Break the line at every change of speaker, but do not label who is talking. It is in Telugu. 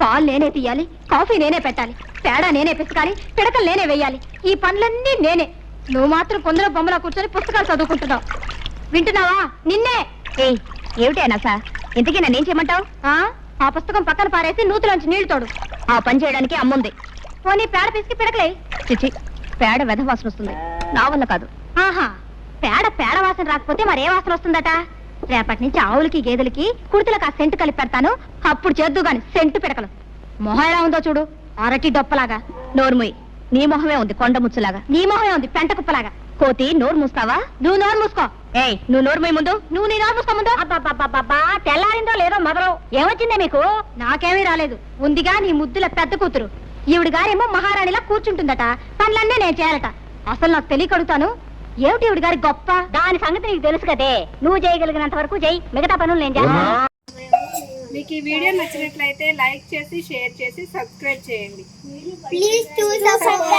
పాలు నేనే తీయాలి, కాఫీ నేనే పెట్టాలి, పేడ నేనే పిసకాలి, పిడకలు నేనే వేయాలి. ఈ పనులన్నీ నేనే. నువ్వు మాత్రం కొందరు బొమ్మలా కూర్చొని పుస్తకాలు చదువుకుంటున్నావు. వింటున్నావా? నిన్నే.
ఏమిటైనా సార్, ఇంతకీ నన్నేం చేయమంటావు?
ఆ పుస్తకం పక్కన పారేసి నూతులోంచి నీళ్లు తోడు.
ఆ పని చేయడానికి అమ్ముంది.
పోనీ పేడ పిసికి పిడకలే.
చిచి, పేడ వెధ వాసన వస్తుంది, నా వల్ల కాదు.
ఆహా, పేడ వాసన రాకపోతే మరే వాసన వస్తుందట. రేపటి నుంచి ఆవులకి గేదెలకి కుర్తులకు ఆ సెంటు కలిపి పెడతాను. అప్పుడు చేద్దు గాని సెంటు పిడకలు. మొహం ఎలా ఉందో చూడు, అరటి డొప్పలాగా.
నోరుముయ్, నీ మొహమే ఉంది కొండ ముచ్చులాగా.
నీ మొహమే ఉంది పెంట కుప్పలాగా.
కోతి, నోరు మూస్తావా?
నువ్వు నోరు మూసుకో.
నువ్వు నోరుముయ్ ముందు.
నువ్వు నీ నోరు మూసుకో ముందు.
అబ్బా, తెల్లారిందో లేదో మొదలు. ఏమొచ్చిందే మీకు?
నాకేమీ రాలేదు. ఉందిగా నీ ముద్దుల పెద్ద కూతురు. ఈవిడ గారేమో మహారాణిలా కూర్చుంటుందట. పనులన్నీ నేను చేయాలట. అసలు నాకు తెలియకడుగుతాను, ఏమిటి ఈవిడ గారి గొప్ప?
దాని సంగతి నీకు తెలుసు కదే. నువ్వు చేయగలిగినంత వరకు చెయ్యి, మిగతా పనులు నేను చేస్తాను.
మీకు ఈ వీడియో నచ్చినట్లయితే లైక్ చేసి, షేర్ చేసి, సబ్స్క్రైబ్ చేయండి.
Please do subscribe.